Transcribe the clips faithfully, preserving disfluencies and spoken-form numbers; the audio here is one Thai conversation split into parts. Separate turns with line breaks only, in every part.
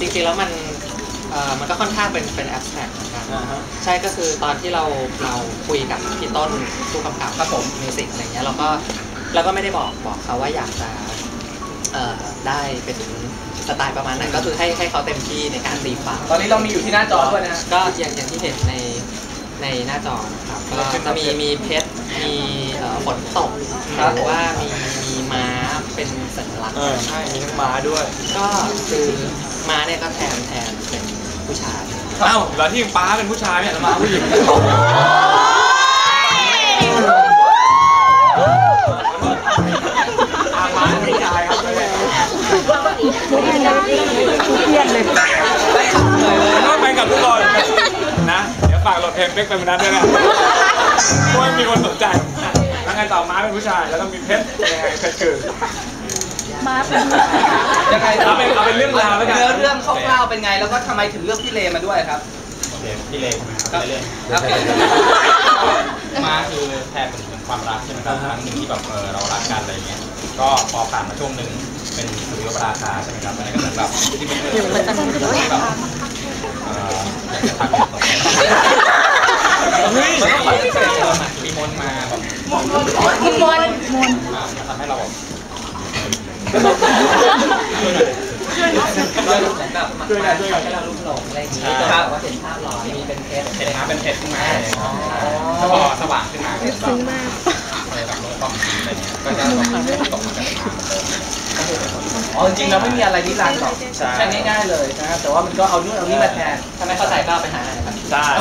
ริงๆแล้วมันเอ่อมันก็ค่อนข้างเป็นเป็นแอบสแตรกเหมือนกันใช่ก็คือตอนที่เราเราคุยกับพี่ต้นผู้กำกับครับผมมิวสิกอะไรเงี้ยเราก็เราก็ไม่ได้บอกบอกเขาว่าอยากจะเอ่อได้เป็นสไตล์ประมาณนั้นก็คือให้ให้เขาเต็มที่ในการตีความ
ตอนนี้เรามีอยู่ที่หน้าจอด้วยนะ
ก็อย่างอย่างที่เห็นในในหน้าจอครับก็จะมีมีเพชรมีฝนตกหรือว่ามีมีม้าเป็นสัญลักษณ์
ใช่มีทั้งม้าด้วย
ก็คือม้าเนี่ยก็แทนแทนเป็นผู้ชาย
เอ้าแล้วที่ป้าเป็นผู้ชายเนี่ยแล้วม้าผู้หญิงม้าผู้ชายครับเครียดเลยต้องไปกับทุกคนนะเดี๋ยวฝากโหลดเพลงเป๊กไปมันนั้นด้วยนะเพราะไม่มีคนสนใจแล้วไงต่อม้าเป็นผู้ชายแล้วต้องมีเพชรยังไงเพชรคือ
ม้าเป็น
ยังไง
เอาเป็นเอาเป็นเรื่องราวแล้วกัน
เนื้อเรื่องคร่าวๆเป็นไงแล้วก็ทำไมถึงเลือกพี่เลมาด้วยครับ
พี่เลใช่ไหมครับเรื่องม้าคือแทนเป็นความรักใช่ไหมครับครั้งหนึ่งที่แบบเออเรารักกันอะไรเงี้ยก็พอผ่านมาช่วงหนึ่งเป็นสุริยปราคาใช่ไหมครับมันก็เหมือนแบบที่เป็นเรื่องแบบเอออยากจะทักตกมันต้องคอยเสร็จมีมนมาแบบมนมนมนทำให้เราแบบ
ช่วยเหมือนแบบช่วยกันช่วยกันให้เราลุ่มหลงอะไรอย่างนี้แต่ว่าเห็นภาพหล่อมีเป็นเพชร
เห็นม้าเป็นเพชรขึ้นมาแล้วก็สว่างขึ้นมาซึ้งมากเลยแบบลงความอะไรเงี้ยก็จะตกมาเป็น
อ๋อจริงๆเราไม่มีอะไรนิรันดร์หรอกใช่ง่ายๆเลยนะแต่ว่ามันก็เอานู่นเอานี่มาแทน
ถ้าไม่เข้าใจก็ไปหาอะไรครับ
ใช่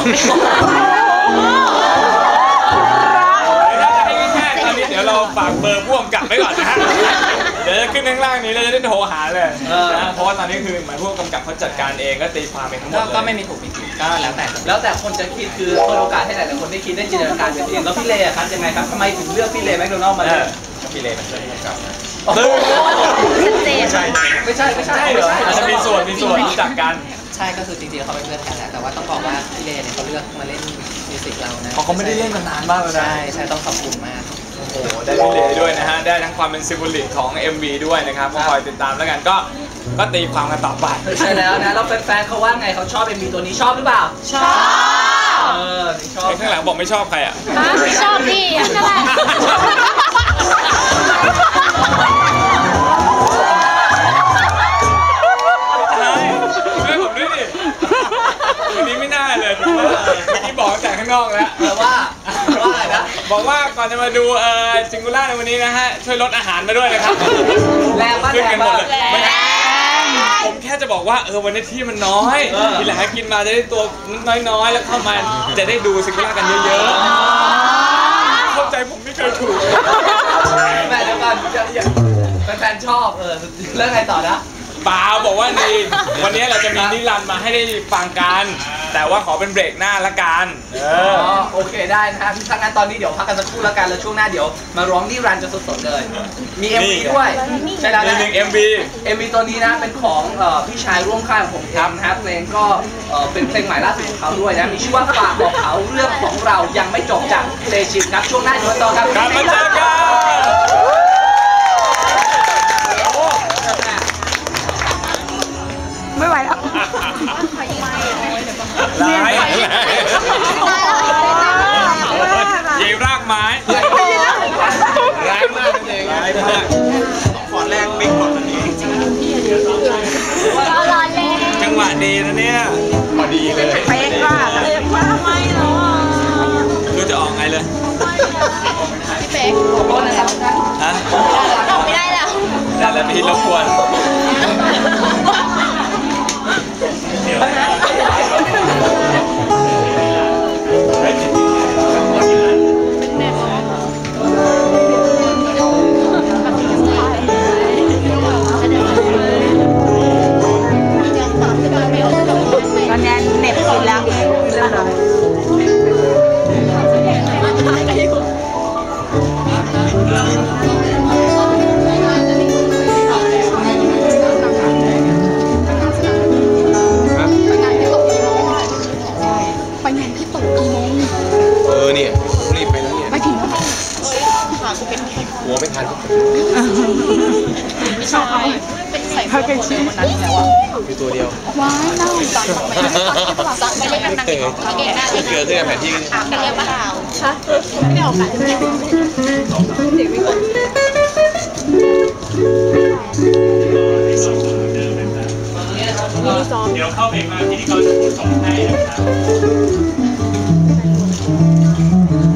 ตอนนี้เดี๋ยวเราฝากเบอร์พ่วงกลับไว้ก่อนนะฮะเดี๋ยวจะขึ้นข้างล่างนี้เราจะได้โทรหาเลยนะเพราะว่าตอนนี้คือหมายผู้กำกับเขาจัดการเองก็ตีความเองทั้งหมดเลย
ก็ไม่มีถูกมีผิดก็แล้วแต่
แล้วแต่คนจะคิดคือเปิดโอกาสให้หลายๆคนได้คิดได้จินตนาการกันเองแล้วพี่เลอะครับยังไงครับทำไมถึงเลือกพี่เลแมคโดนัลด์มาเลย
พี่เลเป็นเพื่อนผู้กำกับนะ
ชัดเจน
ไม่ใช่ไม่ใช่ไม่ใช่
เหรออาจจะมีส่วนมีส่วนรู้จักกัน
ใช่ก็คือจริงๆเขาเป็นเพื่อนกันแหละแต่ว่าต้องบอกว่าพี่เลเนี่ยเขาเลือกมาเล่นมิวสิกเรานะ
เพราะเขาไม่ได้เล่นมานานมากแล้วนะ
ใช่ใช่ต้องขอบคุณมาก
โอ้โหได้พี่เลด้วยนะฮะได้ทั้งความเป็นซิมโบลิกของ เอ็ม วี ด้วยนะครับก็คอยติดตามแล้วกันก็ก็ตีความกันต่อไป
ใช่แล้วนะแล้วแฟนๆเขาว่าไงเขาชอบ เอ็ม วี ตัวนี้ชอบหรือเปล่า
ชอบ
เออชอบ
ข้างหลังบอกไม่ชอบใครอ่ะ
ไม่ชอบพี่นั่นแหละ
วันนี้ไม่น่าเลยเมื่อกี้บอกแต่ข้างนอกแล้ว
แต่ว่าว่าอะไรนะ
บอกว่าก่อนจะมาดูเอ่อจิงกูล่าในวันนี้นะฮะช่วยลดอาหารมาด้วยนะครับ
แรงมาก
ขึ้นกันหมดเลยผมแค่จะบอกว่าเออวันนี้ที่มันน้อยทีหลังกินมาจะได้ตัวน้อยๆแล้วเข้ามาจะได้ดูจิงกูล่ากันเยอะๆเข้าใจผมไม่เคยถูก
แม่เดี๋ยวก่อนแฟนๆชอบเออเรื่องไงต่อนะ
เปล่าบอกว่าในวันนี้เราจะมีนิรันดร์มาให้ได้ฟังกันแต่ว่าขอเป็นเบรกหน้าละกัน
เออโอเคได้นะฮะถ้างั้นตอนนี้เดี๋ยวพักกันสักครู่แล้วกันแล้วช่วงหน้าเดี๋ยวมาร้องนิรันดร์จะสดๆเลยมี เอ็ม วี ด้วยใช่แล้วนะ
หนึ่ง เอ็ม วี
เอ็ม วี ตัวนี้นะเป็นของพี่ชายร่วมค่ายของผมทำนะครับเพลงก็เป็นเพลงใหม่ล่าสุดของเขาด้วยนะมีชื่อว่าฝากบอกเขาเรื่องของเรายังไม่จบจากเตชินครับช่วงหน้าเดี๋ยวต่อครับ
กลับมาเจอกัน
ไม่ไหวแล้ว
ร้ายยีรากไม้ร้ายมากจริงร้ายมากขอแรกบิ๊กก่อนอันนี้จังหวะดีนะเนี่ยพอดีเลย
เป๊ะมากเป๊ะมากไม่หรอ
ดูจะออกไงเลย
พี่เป๊กขอโทษนะครับ
ฮะ
ไม่ได้แล้ว
ได้แล้วพี่รบกวน
ตอนนี้เน็บกินแล้วเรื่องอะไร
หัวไม่ทัน
ไม่ชอบเขาเป็นใส่ผ้ากันชื้นวันนั้นแล้วอ่ะ
อยู่ตัวเดียว
ว้ายเน่าสั่งไม่ได้สั่งไม่ได้กันนะ
เออเกลือขึ้นแผนที่
ถามกันเรียกว่าข่าวคะไม่ได้ออกกันเด็กไม่คน
เดี๋ยวเข้าไปมาที่เขาจะพูดสองให้นะครับ